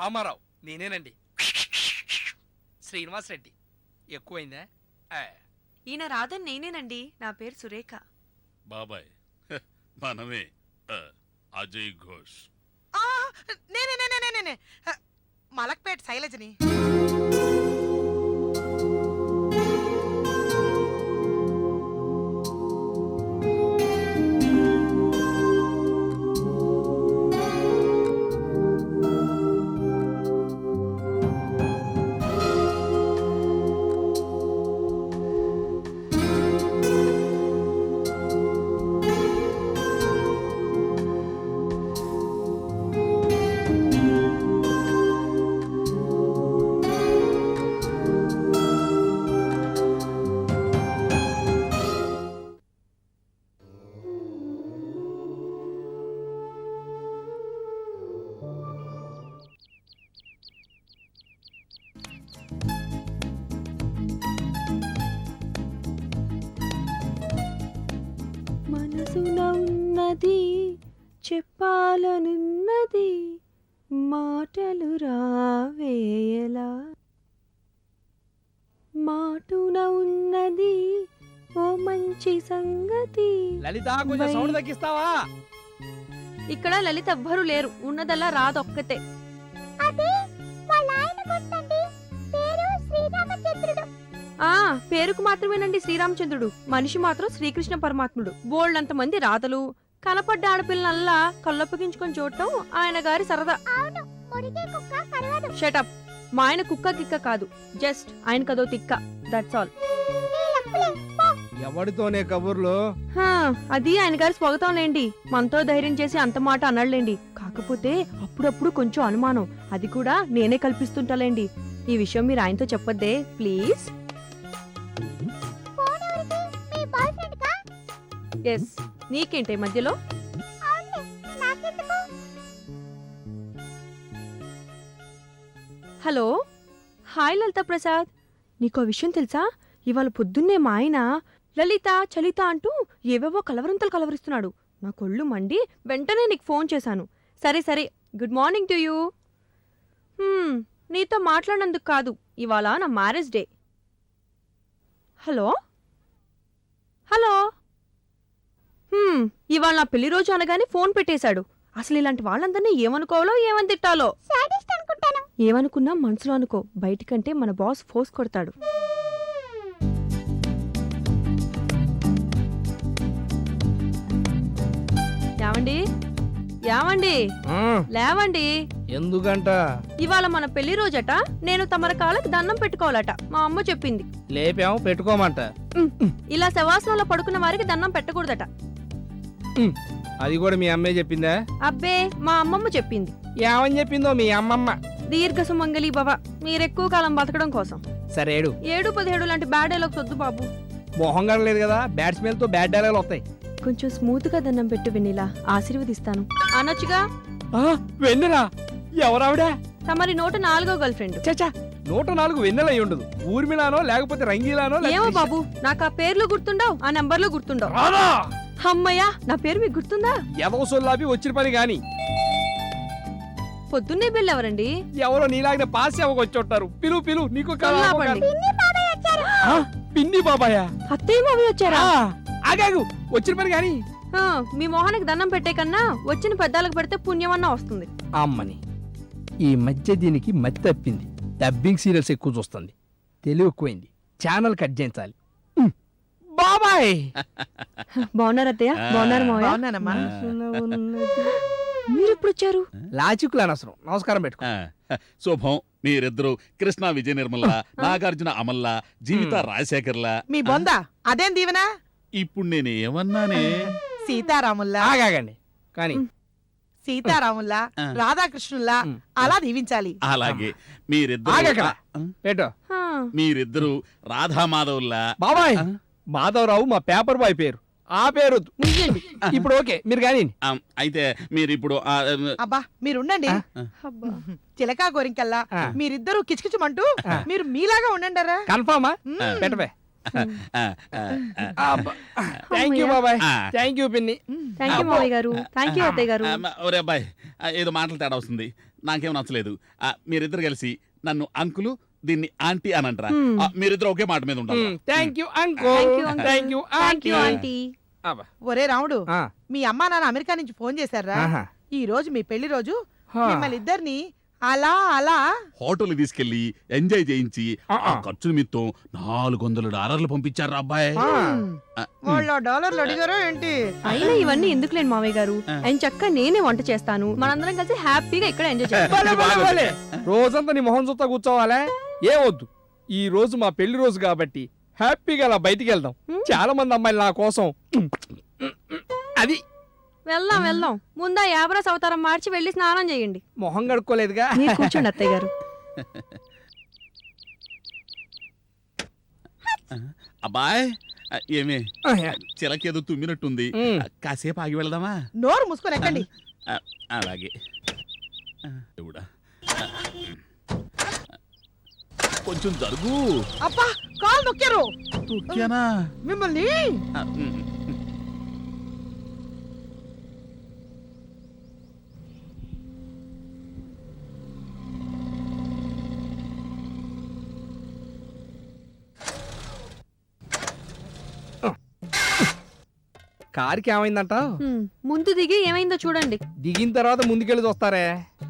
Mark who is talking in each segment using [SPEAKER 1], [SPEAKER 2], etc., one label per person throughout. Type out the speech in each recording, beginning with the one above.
[SPEAKER 1] రామారావు నేనేనండి. శ్రీనివాస్ రెడ్డి ఎక్కువైందా?
[SPEAKER 2] ఈయన రాధన్ నేనేనండి. నా పేరు సురేఖ.
[SPEAKER 3] బాబాయ్ మనమే అజయ్ ఘోష్.
[SPEAKER 4] నేనే మలక్పేట్ శైలజని.
[SPEAKER 2] మనసున ఉన్నది చెప్పాలనున్నది మాటలు రావేయలా. మాటున ఉన్నది ఓ మంచి సంగతి.
[SPEAKER 1] లలిత కొంచెం సౌండ్ తగ్గిస్తావా?
[SPEAKER 2] ఇక్కడ లలిత ఎవ్వరూ లేరు, ఉన్నదల్లా రాదొక్కతే. పేరుకు మాత్రమేనండి శ్రీరామచంద్రుడు, మనిషి మాత్రం శ్రీకృష్ణ పరమాత్ముడు. బోల్డంత మంది రాతలు, కనపడ్డ ఆడపిల్లనల్లా కళ్ళొప్పగించుకొని చూడటం ఆయన గారి సరదా. షటప్. మా ఆయన కుక్క కిక్క కాదు, జస్ట్ ఆయన కదో తిక్క, దట్స్ ఆల్.
[SPEAKER 1] ఎవడితోనే కబుర్లు?
[SPEAKER 2] అది ఆయన గారి స్వాగతంలేండి. మనతో ధైర్యం చేసి అంత మాట అనలేండి. కాకపోతే అప్పుడప్పుడు కొంచెం అనుమానం, అది కూడా నేనే కల్పిస్తుంటాలేండి. ఈ విషయం మీరు ఆయనతో చెప్పొద్దే ప్లీజ్. ఎస్, నీకేంటే మధ్యలో? Hello, hi Lalitha Prasad. నీకో విషయం తెలుసా? ఇవాళ పొద్దున్నే మా ఆయన లలిత చలిత అంటూ ఏవేవో కలవరింతలు కలవరిస్తున్నాడు. నా కొళ్ళు మండి వెంటనే నీకు ఫోన్ చేశాను. సరే సరే, గుడ్ మార్నింగ్ టు యూ. నీతో మాట్లాడినందుకు కాదు, ఇవాళ నా మ్యారేజ్ డే. Hello hello. ఇవాళ నా పెళ్లి రోజు అనగానే ఫోన్ పెట్టేశాడు. అసలు ఇలాంటి వాళ్ళందరినీ ఏమనుకోవాలో ఏమని తిట్టాలో. ఏమనుకున్నా మనసులో అనుకో, బయటికంటే మన బాస్ ఫోర్స్ కొడతాడు. ఏమండి ఏమండి లేవండి.
[SPEAKER 1] ఎందుకంట?
[SPEAKER 2] ఇవాళ మన పెళ్లి రోజట. నేను తమర కాళ్ళకి దండం పెట్టుకోవాలట, మా అమ్మ చెప్పింది.
[SPEAKER 1] లేపాము, పెట్టుకోమంట.
[SPEAKER 2] ఇలా శవాసనంలో పడుకున్న వారికి దండం పెట్టకూడదట.
[SPEAKER 1] అది కూడా మీ అమ్మే చెప్పిందా?
[SPEAKER 2] అబ్బే, మా అమ్మమ్మ చెప్పింది.
[SPEAKER 1] ఏమని చెప్పిందో మీ అమ్మమ్మ?
[SPEAKER 2] దీర్ఘ సుమంగళి భవ, మీరెక్కువ కాలం బతకడం కోసం.
[SPEAKER 1] సరే
[SPEAKER 2] 7-17 లాంటి బ్యాడ్ డైలాగ్స్ వద్దు బాబు.
[SPEAKER 1] మొహం కనలేదు కదా, బ్యాట్స్మెన్ తో బ్యాడ్ డైలాగులు వస్తాయి.
[SPEAKER 2] కొంచెం స్మూత్ గా దండం పెట్టు వెన్నెలా, ఆశీర్వదిస్తాను అనొచ్చుగా.
[SPEAKER 1] వెన్నెలా? ఎవరావిడా?
[SPEAKER 2] తమరి 104వ గర్ల్ ఫ్రెండ్.
[SPEAKER 1] చచ్చా, 104 వెన్నెల అయి ఉండదు. ఊర్మిళానో లేకపోతే రంగీలానో.
[SPEAKER 2] ఏమో బాబు, నాకు ఆ పేర్లు గుర్తుండవు, ఆ నంబర్లు గుర్తుండవు. అమ్మయ్యా, నా పేరు మీకు గుర్తుందా?
[SPEAKER 1] ఎవరో సొల్లాపి వచ్చిన పని గాని.
[SPEAKER 2] పొద్దున్నే బిల్ ఎవరండి?
[SPEAKER 1] ఎవరో నీలాగిన పాస్ వచ్చి పిలు పిలు. నీకు పిన్ని బాబాయ్,
[SPEAKER 2] అత్తయ్య మావి వచ్చారా?
[SPEAKER 1] ఆగాగు, వచ్చిన పని గాని.
[SPEAKER 2] మీ మొహానికి దండం పెట్టే కన్నా వచ్చిన పెద్దాలకు పెడితే పుణ్యమన్నా వస్తుంది.
[SPEAKER 1] అమ్మని, ఈ మధ్య దీనికి మతి తప్పింది. డబ్బింగ్ సీరియల్స్ ఎక్కువ చూస్తుంది, తెలివి ఎక్కువైంది. ఛానల్ కట్ చేయించాలి. బాబాయ్
[SPEAKER 2] బాగున్నారు అత్తయ్య? బాగున్నారు మావయ్య? మీరు ఎప్పుడు వచ్చారు?
[SPEAKER 1] లాజిక్లు అనవసరం, నమస్కారం పెట్టుకో.
[SPEAKER 3] శుభం. మీరిద్దరు కృష్ణ విజయ నిర్మల, నాగార్జున అమల్ల, జీవిత రాజశేఖర్లా.
[SPEAKER 4] మీ బొందా అదేం దీవెనా?
[SPEAKER 3] ఇప్పుడు నేను ఏమన్నానే?
[SPEAKER 4] సీతారాముల్లా.
[SPEAKER 1] ఆగాగండి కానీ
[SPEAKER 4] సీతారాముల్లా, రాధాకృష్ణుల్లా అలా దీవించాలి.
[SPEAKER 3] అలాగే. మీరిద్దరు రాధామాధవుల్లా.
[SPEAKER 1] బాబాయ్, మాధవరావు మా పేపర్ బాయ్ పేరు. ఆ పేరు ఇప్పుడు ఓకే, మీరు కానీ.
[SPEAKER 3] అయితే మీరు ఇప్పుడు
[SPEAKER 4] అబ్బా మీరుండండి. చిలకా గోరింకల్లా మీరిద్దరూ కిచకిచమంటూ మీరు మీలాగా ఉండండిరా.
[SPEAKER 1] కన్ఫామా? పెట్టవే. థ్యాంక్ యూ బాబాయ్. థ్యాంక్ యూ పిన్ని.
[SPEAKER 2] థ్యాంక్ యూ మావయ్య గారు. థ్యాంక్ యూ అత్తయ్య గారు.
[SPEAKER 3] ఒరే అబ్బాయి, ఏదో మాటలు తేడా వస్తుంది. నాకేం నచ్చలేదు. మీరిద్దరు కలిసి నన్ను అంకులు, దీన్ని ఆంటీ అని అంటారా?
[SPEAKER 2] Hmm.
[SPEAKER 3] మీరిద్దరు ఒకే మాట మీద ఉంటారు.
[SPEAKER 1] Thank you
[SPEAKER 2] Thank you,
[SPEAKER 1] uncle
[SPEAKER 2] uncle.
[SPEAKER 1] Thank you
[SPEAKER 2] thank you aunty.
[SPEAKER 4] ఒరే రాముడు, మీ అమ్మా నాన్న అమెరికా నుంచి ఫోన్ చేశారా? ఈ రోజు మీ పెళ్లి రోజు మిమ్మల్ని ఇద్దరిని అలా అలా
[SPEAKER 3] హోటల్ తీసుకెళ్లి ఎంజాయ్ చేయించి ఆ ఖర్చు నిమిత్తం $400 పంపించారు అబ్బాయి.
[SPEAKER 4] వాళ్ళ డాలర్లు అడిగారో ఏంటి?
[SPEAKER 2] అయినా ఇవన్నీ ఎందుకులేండి మామయ్య గారు. ఆయన చక్క నేనే వంట చేస్తాను, మనందరం కలిసి హ్యాపీగా ఇక్కడ ఎంజాయ్ చేస్తాం.
[SPEAKER 1] రోజంతా నీ మొహం చూస్తా కూర్చోవాలే? ఏ వద్దు, ఈ రోజు మా పెళ్లి రోజు కాబట్టి హ్యాపీగా అలా బయటికి వెళ్దాం. చాలా మంది అమ్మాయిలు నా కోసం. అది
[SPEAKER 2] వెళ్దాం వెళ్దాం. ముందా యాబరాస్ అవతారం మార్చి వెళ్ళి స్నానం చేయండి.
[SPEAKER 1] మొహం కడుక్కోలేదుగా.
[SPEAKER 2] మీరు కూర్చోండి అత్తయ్య గారు.
[SPEAKER 3] అబ్బాయ్ ఏమే చిలకేదో తుమ్మినట్టుంది, కాసేపు ఆగి వెళ్దామా?
[SPEAKER 4] నోరు మూసుకొని ఎక్కండి.
[SPEAKER 3] అలాగే. దేవుడా, కొంచెం జరుగు.
[SPEAKER 4] అబ్బా, కాలు నొక్కారు.
[SPEAKER 3] తొక్కానా?
[SPEAKER 4] మిమ్మల్ని
[SPEAKER 1] కారుకి ఏమైందంట?
[SPEAKER 2] ముందు దిగి ఏమైందో చూడండి.
[SPEAKER 1] దిగిన తర్వాత ముందుకెళ్ళి చూస్తారే.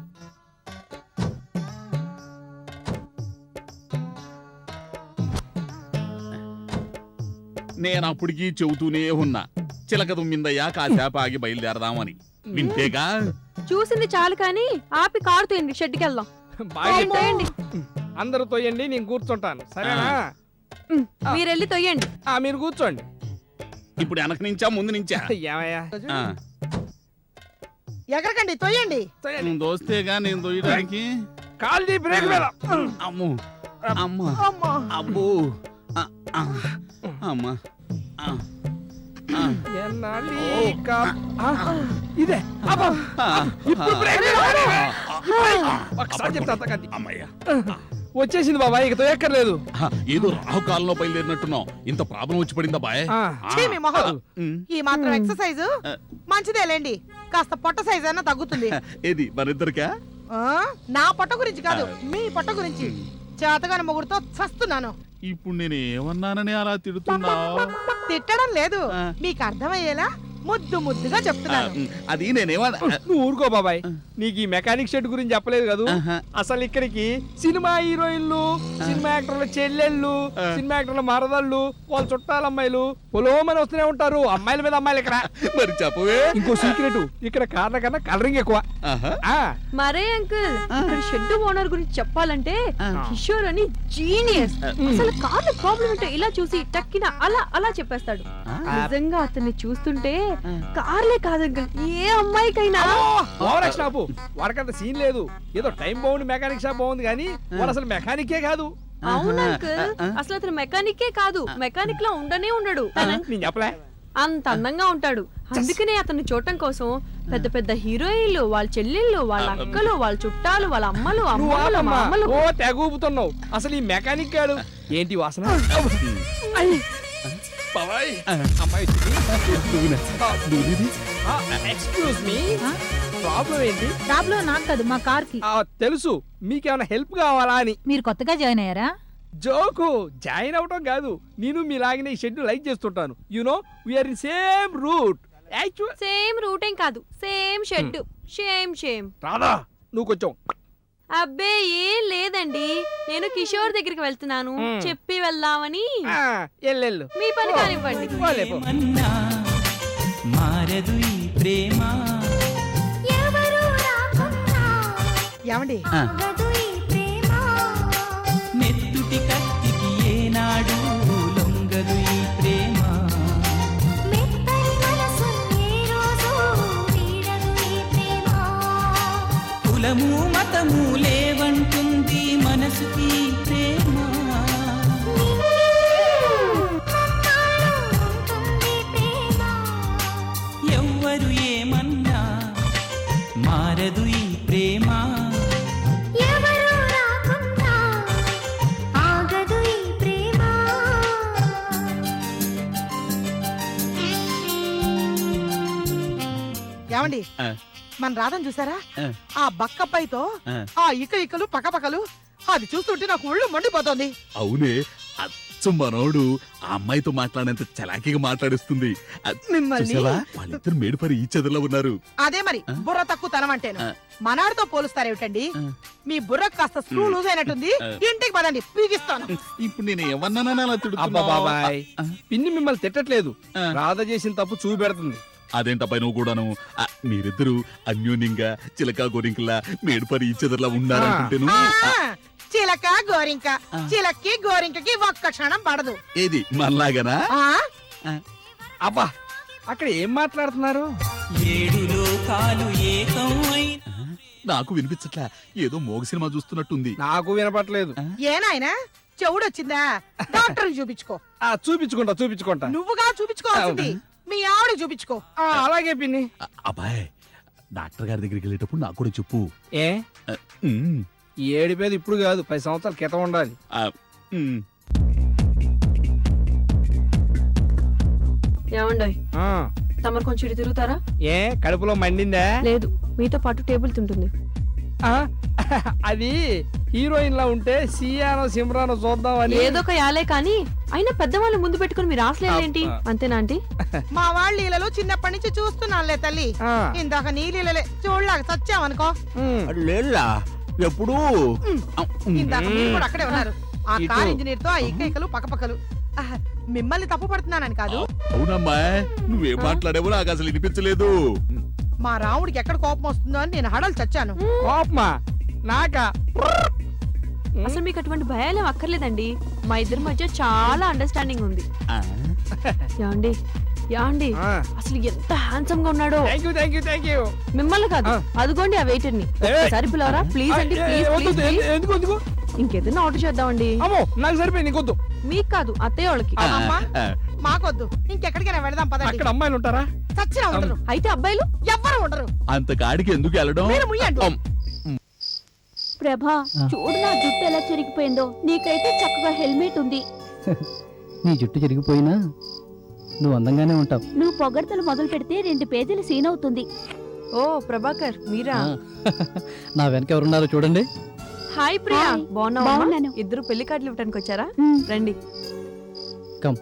[SPEAKER 3] నేను అప్పటికీ చెబుతూనే ఉన్నా, చిలక తుమ్మిందయ్యా కాసేపు ఆగి బయలుదేరదామని. వింటేగా?
[SPEAKER 2] చూసింది చాలు కానీ ఆపి కారు తోయండి, షెడ్కి వెళ్దాం.
[SPEAKER 1] బాగా
[SPEAKER 2] తోయండి.
[SPEAKER 1] అందరూ తోయండి, నేను కూర్చుంటాను. సరేనా?
[SPEAKER 2] మీరెళ్ళి తొయ్యండి.
[SPEAKER 1] మీరు కూర్చోండి.
[SPEAKER 3] ఇప్పుడు వెనక నుంచా ముందు నుంచా?
[SPEAKER 1] ఏమయ్యా?
[SPEAKER 4] ఎగరకండి, తొయ్యండి.
[SPEAKER 3] నువ్వు దోస్తేగా నేను తొయ్యడానికి.
[SPEAKER 1] కాల్ బ్రేక్ మీద.
[SPEAKER 3] అమ్మో అమ్మా
[SPEAKER 4] అమ్మా,
[SPEAKER 3] అబ్బో అమ్మా.
[SPEAKER 1] ఇదే ఒకసారి చెప్తా.
[SPEAKER 3] అమ్మయ్యా,
[SPEAKER 1] వచ్చేసింది బాబాయ్, ఇక తొయ్యక్కర్లేదు.
[SPEAKER 3] ఏదో రాహుకాలంలో బయలుదేరినట్టున్నావు. ఇంత ప్రాబ్లం వచ్చి పడిందా బాయ్?
[SPEAKER 4] ఛీ, మీ మొహం. ఈ మాత్రం ఎక్సర్సైజ్ మంచిదేలేండి, కాస్త పొట్ట సైజ్ అన్నా తగ్గుతుంది.
[SPEAKER 3] ఏది మనిద్దరికా?
[SPEAKER 4] ఆ, నా పొట్ట గురించి కాదు, మీ పొట్ట గురించి. చేతగాని మొగుడుతో చస్తున్నాను.
[SPEAKER 3] ఇప్పుడు నేను ఏమన్నానని అలా తిడుతున్నావు?
[SPEAKER 4] తిట్టడం లేదు, మీకు అర్థమయ్యేలా ముద్దు ముద్దుగా చెప్తున్నాను.
[SPEAKER 3] అది నేనేమన్నా.
[SPEAKER 1] నువ్వు ఊరుకో బాబాయ్, నీకు ఈ మెకానిక్ షెడ్ గురించి చెప్పలేదు కదా. అసలు ఇక్కడికి సినిమా హీరోయిన్లు, సినిమా యాక్టర్ల చెల్లెళ్ళు, సినిమా యాక్టర్ల మరదళ్ళు, వాళ్ళ చుట్టాల అమ్మాయిలు పొలోమని వస్తూనే ఉంటారు. అమ్మాయిల మీద అమ్మాయిలు ఇక్కడ.
[SPEAKER 3] మరి చెప్పవే.
[SPEAKER 1] ఇంకో సీక్రెట్, ఇక్కడ కార్ల కన్నా కలరింగ్ ఎక్కువ.
[SPEAKER 2] మరే అంకుల్, ఇక్కడ షెడ్ ఓనర్ గురించి చెప్పాలంటే కిషోర్ అని జీనియస్. అసలు కార్ల ప్రాబ్లం అంటే ఇలా చూసి టక్కిన అలా అలా చెప్పేస్తాడు. నిజంగా అతన్ని చూస్తుంటే కార్లే కాదు అంకుల్, ఏ అమ్మాయికైనా.
[SPEAKER 1] వాడికంత సీన్ లేదు, ఏదో టైం బాగుంది మెకానిక్ షాప్ బాగుంది కానీ వాడు అసలు మెకానికే కాదు.
[SPEAKER 2] అవును అంకుల్, అసలు అతను మెకానికే కాదు, మెకానిక్ లా ఉండనే ఉండడు.
[SPEAKER 1] నేను చెప్పలే,
[SPEAKER 2] అంత అందంగా ఉంటాడు. అందుకనే అతన్ని చూడటం కోసం పెద్ద పెద్ద హీరోయిన్లు, వాళ్ళ చెల్లెళ్ళు, వాళ్ళ అక్కలు, వాళ్ళ చుట్టాలు, వాళ్ళ అమ్మలు, అమ్మలు, మామలు.
[SPEAKER 1] ఓ తెగూపుతున్నావు. అసలు ఈ మెకానిక్ గాడు ఏంటి వాసన? ఎక్స్క్యూజ్ మీ, ప్రాబ్లం ఏంటి?
[SPEAKER 5] ప్రాబ్లం నాకు కాదు, మా కార్ కి.
[SPEAKER 1] తెలుసు, మీకేమైనా హెల్ప్ కావాలా అని.
[SPEAKER 5] మీరు కొత్తగా జాయిన్ అయ్యారా?
[SPEAKER 1] జోకు, జాయిన్ అవటం కాదు, నేను మీలాగనే ఈ షెడ్ లైక్ చేస్తుంటాను. You know we are in same route.
[SPEAKER 2] Same route ఏం కాదు, సేమ్ షెడ్. షేమ్
[SPEAKER 1] రాదా, నువ్వు కొంచెం.
[SPEAKER 2] అబ్బే ఏం లేదండి, నేను కిషోర్ దగ్గరికి వెళ్తున్నాను, చెప్పి వెళ్దామని.
[SPEAKER 1] ఎల్లెళ్ళు,
[SPEAKER 2] మీ పని కానివ్వండి.
[SPEAKER 6] మారదు ఈ ప్రేమ.
[SPEAKER 4] ఏమండి,
[SPEAKER 6] నెత్తుటి కత్తికి ఏనాడు లొంగదు ఈ ప్రేమ. కులము మతము లేవంటుంది మనసుకి ప్రేమ. ఎవ్వరు ఏమన్నా మారదు ఈ ప్రేమ.
[SPEAKER 4] ఏమండి, మన రాధను చూసారా
[SPEAKER 3] ఆ.
[SPEAKER 4] ఆ బక్కపైతో
[SPEAKER 3] ఆ.
[SPEAKER 4] ఆ ఇకలు పక్కపక్కలు అది చూస్తుంటే నాకు ఒళ్ళు మండిపోతోంది.
[SPEAKER 3] అవునే, అచ్చు మనోడు ఆ అమ్మాయితో మాట్లాడేంత చలాకీగా మాట్లాడిస్తుంది.
[SPEAKER 4] మిమ్మల్ని
[SPEAKER 3] చూసావా, వాళ్ళిద్దరు మేడుపరి ఈ చెదర్లో ఉన్నారు.
[SPEAKER 4] అదే మరి
[SPEAKER 3] ఆ?
[SPEAKER 4] బుర్ర తక్కువ తనం అంటేను.
[SPEAKER 3] ఆ.
[SPEAKER 4] మనాడితో పోలుస్తారేమిటండి?
[SPEAKER 3] ఆ.
[SPEAKER 4] మీ బుర్రకు కాస్త స్క్రూ లూజ్ అయినట్టుంది.
[SPEAKER 3] ఆ.
[SPEAKER 4] ఇంటికి పదండి, పీకిస్తాను.
[SPEAKER 3] ఇప్పుడు నేను ఏమన్నానని అలా
[SPEAKER 1] అబ్బా
[SPEAKER 3] తిడుతున్నావ్?
[SPEAKER 1] బాబాయ్
[SPEAKER 3] ఆ.
[SPEAKER 1] పిన్ని మిమ్మల్ని తిట్టట్లేదు,
[SPEAKER 3] ఆ.
[SPEAKER 1] రాధ చేసిన తప్పు చూపెడుతుంది.
[SPEAKER 3] అదేంటపై నువ్వు కూడాను మీరిద్దరు అన్యోన్యంగా చిలకా గోరింకల్లా మేడుపరి ఈ చెదర్లా ఉన్నారంటుంటేను.
[SPEAKER 4] ఆ, చిలక గోరింక,
[SPEAKER 3] ఆ.
[SPEAKER 4] చిలక్కి గోరింకకి ఒక్క క్షణం పడదు.
[SPEAKER 3] ఏది మనలాగనా?
[SPEAKER 4] ఆ
[SPEAKER 1] అబ్బా అక్కడ ఏం మాట్లాడుతున్నారు?
[SPEAKER 6] 7 లోకాలు ఏకం అయిన
[SPEAKER 3] నాకు వినిపించట్లా, ఏదో మోగ సినిమా చూస్తున్నట్టుంది.
[SPEAKER 1] నాకు వినపట్లేదు.
[SPEAKER 4] ఏనాయనా చెవుడొచ్చిందా? డాక్టర్ చూపించుకో.
[SPEAKER 1] చూపించుకుంటా.
[SPEAKER 4] నువ్వుగా చూపించుకోవాల్సింది మీ ఆవిడ చూపించుకో.
[SPEAKER 1] అలాగే పిన్ని.
[SPEAKER 3] అబ్బాయ్, డాక్టర్ గారి దగ్గరికి వెళ్ళేటప్పుడు నాకు కూడా చెప్పు.
[SPEAKER 1] ఏ
[SPEAKER 3] ఉమ్,
[SPEAKER 1] ఈ ఏడిపేది ఇప్పుడు కాదు, 10 సంవత్సరాల క్రితం ఉండాలి.
[SPEAKER 3] ఉమ్.
[SPEAKER 2] ఏమండోయ్,
[SPEAKER 1] ఆ,
[SPEAKER 2] తమరు కొంచెం ఇటు తిరుగుతారా?
[SPEAKER 1] ఏ కడుపులో మండిందా?
[SPEAKER 2] లేదు, మీతో పాటు టేబుల్ తింటుంది.
[SPEAKER 1] ఆ, అది హీరోయిన్ లా ఉంటే సియానో సిమ్రానో చూద్దామని.
[SPEAKER 2] ఏదో ఒక యాలే కానీ అయినా పెద్దవాళ్ళు ముందు పెట్టుకుని మీరు రాసలేదేంటి?
[SPEAKER 1] అబ్బా.
[SPEAKER 2] అంతేనా ఆంటీ?
[SPEAKER 4] మా వాళ్ళ లీలలు చిన్నప్పటి నుంచి చూస్తున్నానులే తల్లి.
[SPEAKER 1] ఆ,
[SPEAKER 4] ఇందాక నీ లీలలే చూడలాగా సచ్చావనుకో.
[SPEAKER 1] ఉమ్.
[SPEAKER 3] లేలా ఎప్పుడు
[SPEAKER 4] ఇందాక మీరు కూడా అక్కడే ఉన్నారు. ఆ
[SPEAKER 1] ఇటు.
[SPEAKER 4] కార్ ఇంజనీర్ తో ఆ ఇక్కలు పక్కపక్కలు. ఆహ్, మిమ్మల్ని తప్పు పడుతున్నానని కాదు.
[SPEAKER 3] అవునమ్మా, నువ్వేం మాట్లాడేవో నాకు అసలు వినిపించలేదు.
[SPEAKER 4] మా రాముడికి ఎక్కడ కోపం వస్తుందో అని నేను హడలు చచ్చాను.
[SPEAKER 1] కోపమా? నాకా?
[SPEAKER 2] అసలు మీకు అటువంటి భయాలేం అక్కర్లేదండి. మా ఇద్దరి మధ్య చాలా అండర్స్టాండింగ్ ఉంది.
[SPEAKER 3] ఆ,
[SPEAKER 2] యాండి యాండి
[SPEAKER 1] ఆ.
[SPEAKER 2] అసలు ఎంత హ్యాండ్సమ్ గా ఉన్నాడో.
[SPEAKER 1] Thank you.
[SPEAKER 2] మిమ్మల్ని కాదు,
[SPEAKER 1] ఆ.
[SPEAKER 2] అదిగోండి ఆ వెయిటర్ ని.
[SPEAKER 1] ఏ.
[SPEAKER 2] ఒకసారి పిలవరా ప్లీజ్ అండి, ప్లీజ్ ప్లీజ్.
[SPEAKER 1] ఎందుకు?
[SPEAKER 2] ఇంకేదైనా ఆర్డర్ చేద్దామండి.
[SPEAKER 1] అమ్మో నాకు సరిపోయి నీకొద్దు.
[SPEAKER 2] మీకు కాదు, అత్తయ్య వాళ్ళకి.
[SPEAKER 3] ఆ,
[SPEAKER 4] అమ్మా.
[SPEAKER 3] ఆ.
[SPEAKER 4] మాకొద్దు, ఇంకెక్కడికైనా వెళదాం పదండి.
[SPEAKER 1] అక్కడ అమ్మాయిలు ఉంటారా?
[SPEAKER 4] చచ్చినా ఉండరు,
[SPEAKER 2] అయితే అబ్బాయిలు
[SPEAKER 4] ఎవ్వరు ఉండరు.
[SPEAKER 3] అంత కాడికి ఎందుకు వెళ్ళడం?
[SPEAKER 4] మీరు ముయ్యండి.
[SPEAKER 3] అమ్,
[SPEAKER 7] ప్రభా, చూడు నా జుట్టు ఎలా చెరిగిపోయిందో. నీకైతే చక్కగా హెల్మెట్ ఉంది.
[SPEAKER 8] నీ జుట్టు చెరిగిపోయినా నువ్వు అందంగానే ఉంటావు.
[SPEAKER 7] నువ్వు పొగడ్తలు మొదలు పెడితే 2 పేజీలు సీన్ అవుతుంది.
[SPEAKER 2] ఓ ప్రభాకర్ మీరా?
[SPEAKER 8] నా వెనక ఎవరున్నారో చూడండి.
[SPEAKER 2] Hi Priya,
[SPEAKER 7] hi.
[SPEAKER 2] బాగున్నావా?
[SPEAKER 7] బాగున్నాను.
[SPEAKER 2] ఇద్దరు పెళ్లి కార్డులు ఇవ్వడానికి వచ్చారా?
[SPEAKER 7] ఉమ్,
[SPEAKER 2] రండి.
[SPEAKER 8] కమ్.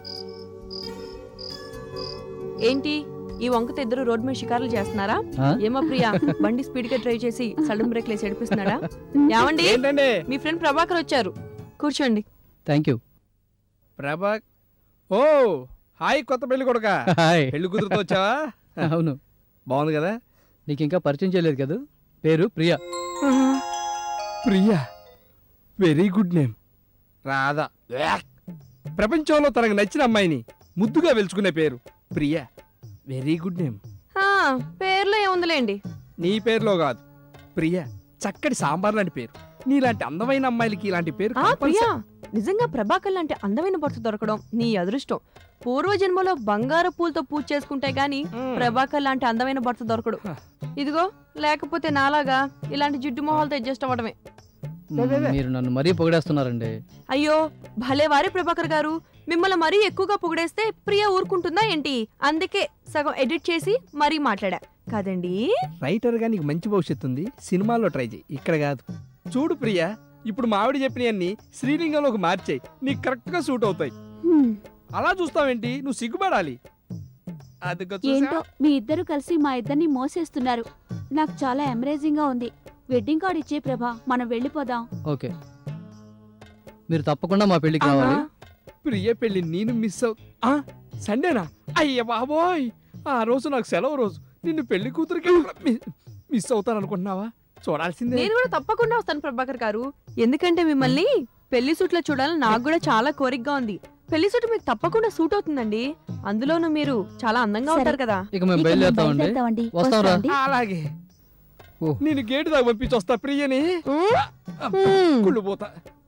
[SPEAKER 2] ఏంటి ఈ వంకతో ఇద్దరు రోడ్ మీద షికారులు చేస్తున్నారా?
[SPEAKER 8] ఆ?
[SPEAKER 2] ఏమో ప్రియా, బండి స్పీడ్ గా డ్రైవ్ చేసి సడన్ బ్రేక్ లేసి ఏడిపిస్తున్నాడా? ఏమండి,
[SPEAKER 1] ఏంటండి?
[SPEAKER 2] మీ ఫ్రెండ్ ప్రభాకర్ వచ్చారు, కూర్చోండి.
[SPEAKER 8] Thank you.
[SPEAKER 1] ప్రభా. ఓ హాయ్ కొత్త పెళ్లి కొడుక.
[SPEAKER 8] హాయ్.
[SPEAKER 1] పెళ్లి కూతురుతో వచ్చావా?
[SPEAKER 8] అవును,
[SPEAKER 1] బాగుంది కదా.
[SPEAKER 8] నీకు ఇంకా పరిచయం చేయలేదు కదా. పేరు Priya.
[SPEAKER 1] Priya, very good name. Radha, ప్రపంచంలో తనకు నచ్చిన అమ్మాయిని ముద్దుగా వెలుచుకునే పేరు ప్రియా. Very good name.
[SPEAKER 2] ఆ, పేర్లో ఏముందిలేండి.
[SPEAKER 1] నీ పేరులో కాదు, ప్రియా చక్కటి సాంబార్ లాంటి పేరు. నీలాంటి అందమైన అమ్మాయిలకి ఇలాంటి పేరు
[SPEAKER 2] ఆ ప్రియా,
[SPEAKER 1] compulsory.
[SPEAKER 2] నిజంగా ప్రభాకర్ లాంటి అందమైన భర్త దొరకడం నీ అదృష్టం. పూర్వజన్మలో బంగారు పూలతో పూజ చేసుకుంటే గాని
[SPEAKER 1] మ్మ్.
[SPEAKER 2] ప్రభాకర్ లాంటి అందమైన భర్త దొరకడు. ఇదిగో, లేకపోతే నాలాగా ఇలాంటి జిడ్డు మొహాలతో అడ్జస్ట్ అవ్వడమే.
[SPEAKER 8] మీరు నన్ను మరీ పొగిడేస్తున్నారండి.
[SPEAKER 2] అయ్యో భలే వారే ప్రభాకర్ గారు, మిమ్మల్ని మరీ ఎక్కువగా పొగిడేస్తే ప్రియ ఊరుకుంటుందా ఏంటి? అందుకే సగం ఎడిట్ చేసి మరీ మాట్లాడా కదండి.
[SPEAKER 1] రైటర్ గా నీకు మంచి భవిష్యత్తు ఉంది, సినిమాల్లో ట్రై చేయి, ఇక్కడ కాదు. చూడు ప్రియా, ఇప్పుడు మా ఆవిడ చెప్పినవన్నీ శ్రీలింగంలోకి మార్చేయి, నీకు కరెక్ట్ గా సూట్ అవుతాయి.
[SPEAKER 7] హ్మ్,
[SPEAKER 1] అలా చూస్తావేంటి? నువ్వు సిగ్గుపడాలి. అదిగో చూసావా?
[SPEAKER 7] ఏంటో మీ ఇద్దరు కలిసి మా ఇద్దరిని మోసేస్తున్నారు. నాకు చాలా ఎంబరేజింగ్ గా ఉంది. వెడ్డింగ్ కార్డ్ ఇచ్చే ప్రభా, మనం వెళ్ళిపోదాం.
[SPEAKER 8] ఓకే, మీరు తప్పకుండా మా పెళ్ళికి రావాలి.
[SPEAKER 1] ప్రియ పెళ్లి నేను మిస్ సండేనా? అయ్య బాబోయ్, ఆ రోజు నాకు సెలవు రోజు. నిన్ను పెళ్లి కూతురికి మిస్ అవుతాను అనుకుంటున్నావా? చూడాల్సిందే.
[SPEAKER 2] నేను కూడా తప్పకుండా వస్తాను ప్రభాకర్ గారు, ఎందుకంటే మిమ్మల్ని పెళ్లి సూట్ లో చూడాలని నాకు కూడా చాలా కోరికగా ఉంది. పెళ్లి సూట్ మీకు తప్పకుండా సూట్ అవుతుందండి, అందులోనూ మీరు చాలా అందంగా
[SPEAKER 7] సరే.
[SPEAKER 2] ఉంటారు కదా.
[SPEAKER 8] ఇక మేము
[SPEAKER 7] ఇక మేము
[SPEAKER 8] బయలుదేరుతామండి.
[SPEAKER 7] బయలుదేరుతామండి.
[SPEAKER 8] వస్తాంరా.
[SPEAKER 7] వస్తామండి.
[SPEAKER 1] అలాగే.
[SPEAKER 8] ఓ.
[SPEAKER 1] నేను గేటు దాకా పంపించి వస్తా ప్రియని.
[SPEAKER 2] మ్మ్.
[SPEAKER 1] కుళ్ళు పోతా.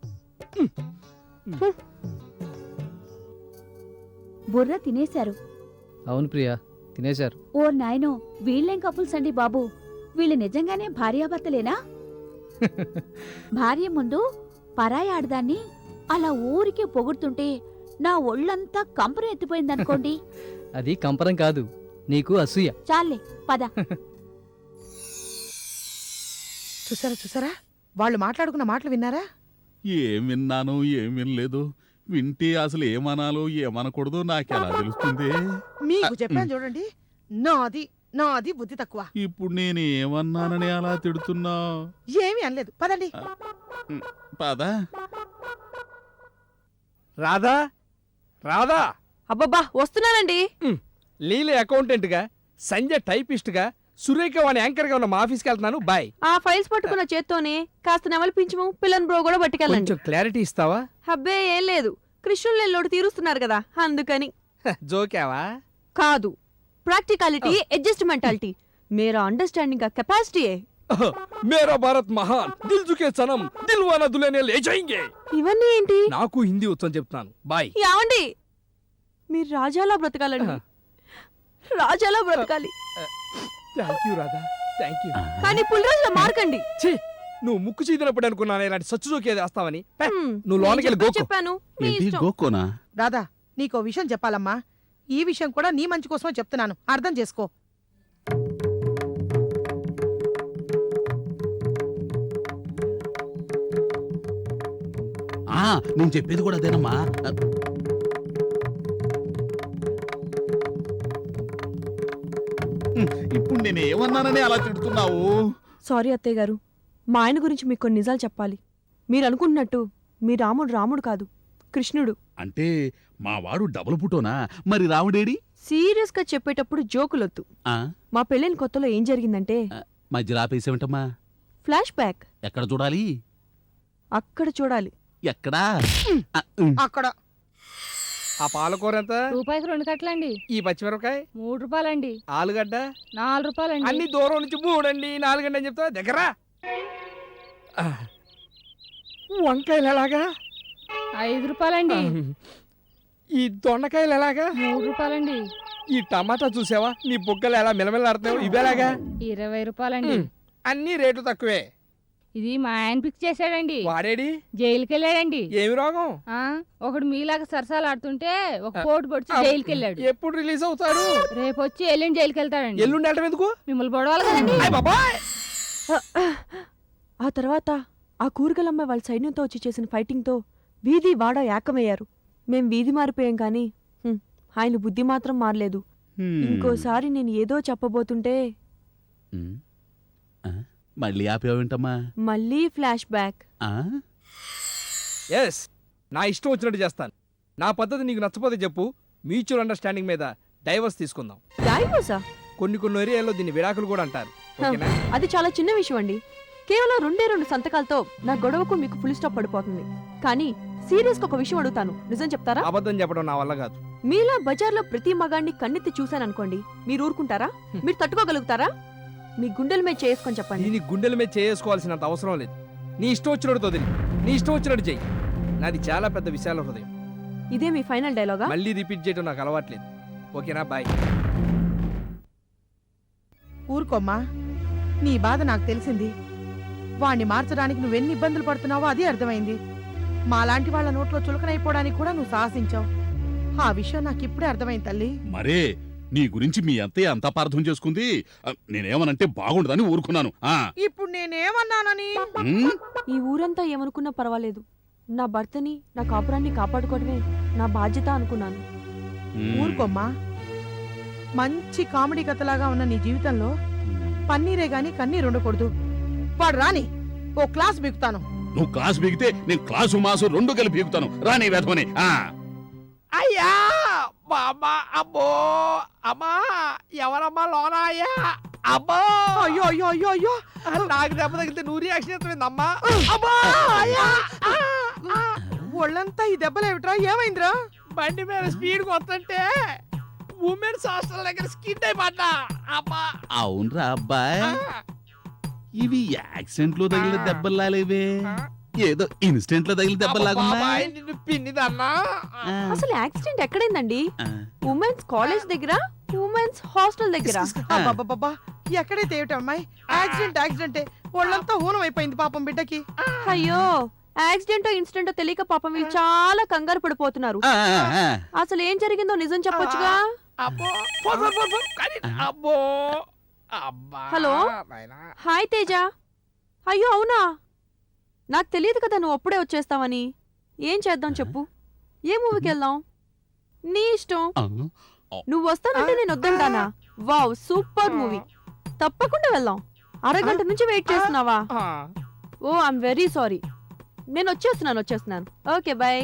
[SPEAKER 7] బుర్ర తినేశారు.
[SPEAKER 8] అవును ప్రియా, తినేశారు.
[SPEAKER 7] ఓ నాయనో, వీళ్ళేం కపుల్స్ అండి బాబు. వీళ్ళు నిజంగానే భార్యాభర్తలేనా? భార్య ముందు పరాయి ఆడదాన్ని అలా ఊరికే పొగుడుతుంటే నా ఒళ్ళంతా కంపరం ఎత్తిపోయిందనుకోండి.
[SPEAKER 8] అది కంపరం కాదు, నీకు అసూయ.
[SPEAKER 7] చాలే పద.
[SPEAKER 4] చూసారా వాళ్ళు మాట్లాడుకున్న మాటలు విన్నారా?
[SPEAKER 3] ఏం విన్నాను ఏం వినలేదు. వింటే అసలు ఏమనాలో ఏమనకూడదో నాకెలా తెలుస్తుంది?
[SPEAKER 4] మీకు చెప్పాను చూడండి, నాది బుద్ధి తక్కువ.
[SPEAKER 3] ఇప్పుడు నేను ఏమన్నానని అలా తిడుతున్నా?
[SPEAKER 4] ఏమీ అనలేదు, పదండి.
[SPEAKER 3] పదా
[SPEAKER 1] రాధా రాధా
[SPEAKER 2] అబ్బబ్బా వస్తున్నానండి.
[SPEAKER 1] లీల అకౌంటెంట్ గా, సంజయ్ టైపిస్ట్ గా, సురేఖ వాణి యాంకర్ గా ఉన్న మా ఆఫీస్కి వెళ్తున్నాను. బాయ్.
[SPEAKER 2] ఆ ఫైల్స్ పట్టుకున్న చేత్తోనే కాస్త నెమలిపించము పిల్లని బ్రో కూడా పట్టుకెళ్ళండి.
[SPEAKER 1] కొంచెం క్లారిటీ ఇస్తావా?
[SPEAKER 2] అబ్బే ఏం లేదు, కృష్ణులు నెల్లోడు తీరుస్తున్నారు కదా అందుకని.
[SPEAKER 1] జోకావా?
[SPEAKER 2] కాదు, ప్రాక్టికాలిటీ అడ్జస్ట్మెంటాలిటీ మేరా అండర్స్టాండింగ్ का कैपेसिटी है.
[SPEAKER 1] మేరా భారత్ మహాన్, దిల్ జుకే సనం, దిల్వానా దులేనే లే జాయింగే.
[SPEAKER 2] ఇవన్నీ ఏంటి?
[SPEAKER 1] నాకు హిందీ వచ్చని చెప్తున్నాను. బాయ్.
[SPEAKER 2] యావండి, మీరు రాజాలా బ్రతకాలండి, రాజాలా బ్రతకాలి.
[SPEAKER 1] Thank you Radha, thank you.
[SPEAKER 2] కానీ పులిరాజులా మార్కండి.
[SPEAKER 1] ఛీ, నువ్వు ముక్కు చీదినప్పుడు అనుకున్నాను ఇలాంటి సచ్చు జోకేది వేస్తావని. నువ్వు
[SPEAKER 2] నేను
[SPEAKER 1] లోనకి వెళ్ళి గోకో.
[SPEAKER 2] చెప్పాను, మీ
[SPEAKER 3] ఏంటి
[SPEAKER 2] ఇష్టం.
[SPEAKER 3] గోక్కోనా?
[SPEAKER 4] రాధా, నీకో విషయం చెప్పాలమ్మా. ఈ విషయం కూడా నీ మంచి కోసమే చెప్తున్నాను, అర్థం చేసుకో.
[SPEAKER 3] నేను చెప్పేది కూడా అదేనమ్మా. ఇప్పుడు నేను ఏమన్నానని అలా తిడుతున్నావు?
[SPEAKER 2] సారీ అత్తయ్య గారు, మా ఆయన గురించి మీకు కొన్ని నిజాలు చెప్పాలి. మీరు అనుకుంటున్నట్టు మీ రాముడు రాముడు కాదు, కృష్ణుడు.
[SPEAKER 3] అంటే మా వాడు డబుల్ పుటోనా? మరి రావుడేడి?
[SPEAKER 2] సీరియస్ గా చెప్పేటప్పుడు జోకులొద్దు.
[SPEAKER 3] ఆ,
[SPEAKER 2] మా పెళ్ళైన కొత్తలో ఏం జరిగిందంటే,
[SPEAKER 3] మధ్యలో ఆపేసేమిటమ్మా?
[SPEAKER 2] Flash back.
[SPEAKER 3] ఎక్కడ చూడాలి?
[SPEAKER 2] అక్కడ చూడాలి.
[SPEAKER 3] ఎక్కడా?
[SPEAKER 4] అక్కడ
[SPEAKER 1] ఆ పాలకూర ఎంత?
[SPEAKER 5] రూపాయికి 2 కట్టలండి.
[SPEAKER 1] ఈ పచ్చిమిరపకాయ
[SPEAKER 5] 3 రూపాయలండి.
[SPEAKER 1] ఆలుగడ్డ
[SPEAKER 5] 4 రూపాయలండి.
[SPEAKER 1] అన్ని దూరం నుంచి 3 అండి 4 అండి అని చెప్తా దగ్గర. వంకాయలు ఎలాగా?
[SPEAKER 5] 5 రూపాయలండి.
[SPEAKER 1] ఈ దొండకాయలు ఎలాగా?
[SPEAKER 5] 3 రూపాయలండి.
[SPEAKER 1] ఈ టమాటా చూసావా, నీ బుగ్గలు ఎలా మిలమిలాడుతున్నావు? ఇవేలాగా?
[SPEAKER 5] 20 రూపాయలండి.
[SPEAKER 1] అన్ని రేట్లు తక్కువే.
[SPEAKER 5] ఇది మా ఆయన పిక్ చేశాడండి.
[SPEAKER 1] వాడేడి?
[SPEAKER 5] జైలుకి వెళ్ళాడండి.
[SPEAKER 1] ఏమి రోగం?
[SPEAKER 5] ఒకడు మీలాగా సరసాలు ఆడుతుంటే ఒక పోటు పొడిచి జైలుకి వెళ్ళాడు.
[SPEAKER 1] ఎప్పుడు రిలీజ్ అవుతాడు?
[SPEAKER 5] రేపు వచ్చి ఎల్లుండి జైలుకి వెళ్తాడండి.
[SPEAKER 1] ఎల్లుండి వెళ్ళటం ఎందుకు?
[SPEAKER 5] మిమ్మల్ని పొడవాలి కదండి.
[SPEAKER 1] అయ్ బాబాయ్!
[SPEAKER 2] ఆ తర్వాత ఆ కూరగాయలమ్మాయి వాళ్ళ సైన్యంతో వచ్చి చేసిన ఫైటింగ్తో వీధి వాడ ఏకమయ్యారు. మేం వీధి మారిపోయాం కానీ ఆయన బుద్ధి మాత్రం మారలేదు. ఇంకోసారి నేను ఏదో చెప్పబోతుంటే
[SPEAKER 3] మళ్ళీ ఆపేవేంటమ్మా?
[SPEAKER 2] మళ్ళీ ఫ్లాష్ బ్యాక్.
[SPEAKER 1] ఎస్, నా ఇష్టం వచ్చినట్టు చేస్తాను. నా పద్ధతి నీకు నచ్చపోతే చెప్పు, మ్యూచువల్ అండర్స్టాండింగ్ మీద డైవర్స్ తీసుకుందాం.
[SPEAKER 2] డైవోర్సా?
[SPEAKER 1] కొన్ని ఏరియాల్లో దీన్ని విడాకులు కూడా అంటారు. ఓకేనా?
[SPEAKER 2] అది చాలా చిన్న విషయం అండి. కేవలం 2 సంతకాలతో నా గొడవకు మీకు ఫుల్ స్టాప్ పడిపోతుంది. కానీ సీరియస్ గా ఒక విషయం అడుగుతాను, నిజం చెప్తారా?
[SPEAKER 1] అబద్ధం చెప్పడం నా వల్ల కాదు.
[SPEAKER 2] మీలా బజార్లో ప్రతి మగాడిని కన్నెత్తి చూశాననుకోండి, మీరు ఊరుకుంటారా? మీరు తట్టుకోగలుగుతారా? మీ గుండెల మీద చేసుకొని చెప్పండి.
[SPEAKER 1] దీని గుండెల మీద చేసుకోవాల్సినంత అవసరం లేదు. నీ ఇష్టం వచ్చినట్టు వదిలి, నీ ఇష్టం వచ్చినట్టు చెయ్యి. నాది చాలా పెద్ద విశాల హృదయం.
[SPEAKER 2] ఇదే మీ ఫైనల్ డైలాగా?
[SPEAKER 1] మళ్ళీ రిపీట్ చేయడం నాకు అలవాట్లేదు. ఓకేనా? బాయ్.
[SPEAKER 4] ఊరుకోమ్మా, నీ బాధ నాకు తెలిసింది. వాణ్ణి మార్చడానికి నువ్వెన్ని ఇబ్బందులు పడుతున్నావో అది అర్థమైంది. మాలాంటి వాళ్ళ నోట్లో చులకనైపోవడానికి కూడా నువ్వు సాహసించావు. ఆ విషయం నాకు ఇప్పుడే అర్థమైంది తల్లి.
[SPEAKER 3] మరే నీ గురించి మీ అత్తయ్య అంత అపార్థం చేసుకుంది. నేనేమనంటే బాగుండదని ఊరుకున్నాను.
[SPEAKER 4] ఇప్పుడు నేనేమన్నానని?
[SPEAKER 2] ఈ ఊరంతా ఏమనుకున్నా పర్వాలేదు, నా భర్తని నా కాపురాన్ని కాపాడుకోవడమే నా బాధ్యత అనుకున్నాను.
[SPEAKER 4] ఊరుకోమ్మా, మంచి కామెడీ కథలాగా ఉన్న నీ జీవితంలో పన్నీరే గాని కన్నీరు ఉండకూడదు. వాడు రాని, ఓ క్లాస్ బిగుతాను.
[SPEAKER 3] నువ్వు క్లాస్ బిగితే నేను క్లాసు మాసు 2 కలిపి బిగుతాను. రాని వేధమని.
[SPEAKER 1] అయ్యా బాబా, అబ్బో అమ్మా, ఎవరమ్మా లోనా? అయ్యా అబ్బో,
[SPEAKER 4] అయ్యో అయ్యో అయ్యో అయ్యో,
[SPEAKER 1] నాకు దెబ్బ తగిలితే నువ్వు రియాక్షన్ ఎత్తమైందమ్మా. అబ్బా, అయ్యా!
[SPEAKER 4] ఒళ్ళంతా ఈ దెబ్బలేమిట్రా? ఏమైందిరా?
[SPEAKER 1] బండి మీద స్పీడ్ వస్తుంటే ఉమెన్స్ హాస్టల్ దగ్గర స్కిడ్ అయిపడ్డా. అబ్బా!
[SPEAKER 3] అవునరా అబ్బాయ్, ఇవి యాక్సిడెంట్ లో తగిలిన దెబ్బలాలేవే, ఏదో ఇన్స్టెంట్ లో తగిలిన దెబ్బలాగా
[SPEAKER 1] నిన్ను పిన్నిదన్నా.
[SPEAKER 2] అసలు యాక్సిడెంట్ ఎక్కడైందండి? ఉమెన్స్ కాలేజ్ దగ్గర, ఉమెన్స్ హాస్టల్ దగ్గర.
[SPEAKER 4] అబ్బబ్బబ్బా, ఎక్కడైతే ఏమిటమ్మాయి, యాక్సిడెంటే. ఒళ్ళంతా ఊనం అయిపోయింది పాపం బిడ్డకి.
[SPEAKER 2] అయ్యో, యాక్సిడెంటో ఇన్సిడెంటో తెలియక పాపం వీళ్ళు చాలా కంగారు పడిపోతున్నారు. అసలు ఏం జరిగిందో నిజం చెప్పొచ్చుగా.
[SPEAKER 1] అబ్బో, అబ్బో, అబ్బా!
[SPEAKER 2] Hello, hi Teja. అయ్యో అవునా? నాకు తెలియదు కదా నువ్వు అప్పుడే వచ్చేస్తావని. ఏం చేద్దాం చెప్పు? ఏ మూవీకి వెళ్దాం? నీ ఇష్టం. నువ్వు వస్తానంటే నేను వద్దంటానా? Wow, super movie. తప్పకుండా వెళ్దాం. అరగంట నుంచి వెయిట్ చేస్తున్నావా? Oh I'm very sorry. నేను వచ్చేస్తున్నాను. Okay bye.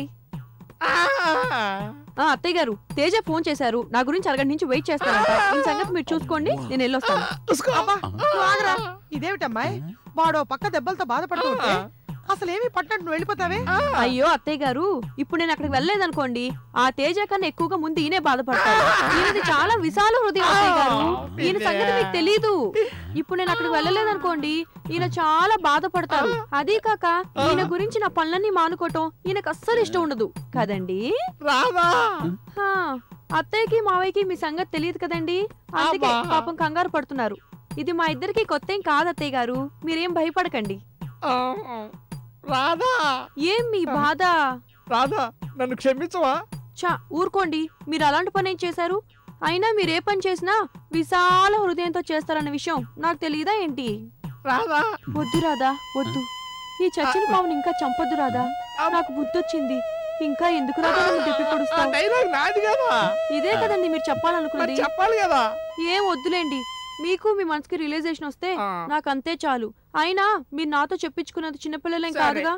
[SPEAKER 2] అత్తయ్య గారు, తేజ ఫోన్ చేశారు. నా గురించి అరగంట నుంచి వెయిట్ చేస్తారంట. ఈ సంగతి మీరు చూసుకోండి, నేను వెళ్ళొస్తాను.
[SPEAKER 4] అబ్బా, నువ్వు ఆగరా. ఇదేమిటమ్మాయి, వాడో పక్క దెబ్బలతో బాధపడుతూ ఉంటే అసలు ఏమీ పట్టినట్టు నువ్వు వెళ్ళిపోతావే?
[SPEAKER 2] అయ్యో అత్తయ్య గారు, ఇప్పుడు నేను అక్కడికి వెళ్ళలేదనుకోండి, ఆ తేజ కన్నా ఎక్కువగా ముందు ఈయనే బాధపడతారు. ఈయనది చాలా విశాల హృదయం అత్తయ్య గారు. ఈయన సంగతి మీకు తెలీదు. ఇప్పుడు నేను అక్కడికి వెళ్ళలేదనుకోండి, ఈయన చాలా బాధపడతారు. అదీ కాక ఈయన గురించి నా పనులన్నీ మానుకోవటం ఈయనకు అస్సలు ఇష్టం ఉండదు కదండి. హా, అత్తయ్యకి మావయ్యకి మీ సంగతి తెలియదు కదండి, అందుకే పాపం కంగారు పడుతున్నారు. ఇది మా ఇద్దరికి కొత్త ఏం కాదు అత్తయ్య గారు, మీరేం భయపడకండి.
[SPEAKER 1] రాధా,
[SPEAKER 2] ఏం మీ బాధ?
[SPEAKER 1] రాధా, నన్ను క్షమించవా?
[SPEAKER 2] చా ఊరుకోండి, మీరు అలాంటి పని ఏం చేశారు? అయినా మీరు ఏ పని చేసినా విశాల హృదయంతో చేస్తారన్న విషయం నాకు తెలియదా ఏంటి?
[SPEAKER 1] రాధా,
[SPEAKER 2] వద్దు రాధా, వద్దు. ఈ చచ్చిన పావుని ఇంకా చంపొద్దు రాధా. నాకు బుద్ధొచ్చింది. ఇంకా ఎందుకు రాధా నన్ను తిప్పి పొడుస్తావు?
[SPEAKER 1] డైలాగ్ నాది కదా.
[SPEAKER 2] ఇదే కదండి మీరు చెప్పాలనుకున్నది.
[SPEAKER 1] చెప్పాలి కదా.
[SPEAKER 2] ఏం వద్దులేండి, మీకు మీ మనసుకి రియలైజేషన్ వస్తే నాకు అంతే చాలు. అయినా మీరు నాతో చెప్పించుకున్నది చిన్నపిల్లలేం కాదుగా.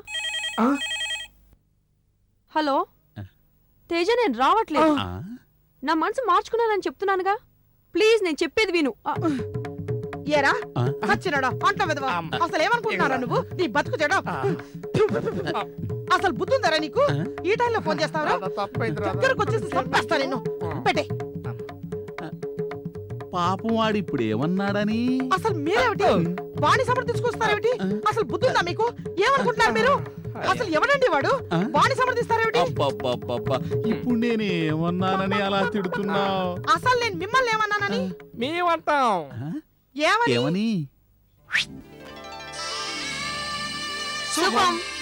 [SPEAKER 2] హలో తేజ, నేను రావట్లేదు. నా మనసు మార్చుకున్నానని చెప్తున్నానుగా. ప్లీజ్ నేను చెప్పేది విను.
[SPEAKER 4] ఏరా సచ్చినాడా, పంట విధవా, అసలు ఏమనుకుంటున్నారా నువ్వు? నీ బతుకు చెడ. అసలు బుద్ధుందరా నీకు? ఈ టైంలో ఫోన్ చేస్తావరా? దగ్గరకు వచ్చేసి చంపేస్తా నిన్ను. పెట్టే.
[SPEAKER 3] పాపం వాడు ఇప్పుడు ఏమన్నాడని?
[SPEAKER 4] అసలు మీరేమిటి వాణి సమర్థించుకొస్తారేమిటి? అసలు బుద్ధుందా మీకు? ఏమనుకుంటున్నారు మీరు? అసలు ఎవడండి వాడు? వాణి సమర్థిస్తారేమిటి?
[SPEAKER 3] అబ్బబ్బబ్బబ్బా, ఇప్పుడు నేను ఏమన్నానని అలా తిడుతున్నావు?
[SPEAKER 4] అసలు నేను మిమ్మల్ని ఏమన్నానని?
[SPEAKER 1] మేమంటాం.
[SPEAKER 4] ఏమని?
[SPEAKER 3] ఏమని?
[SPEAKER 2] శుభం.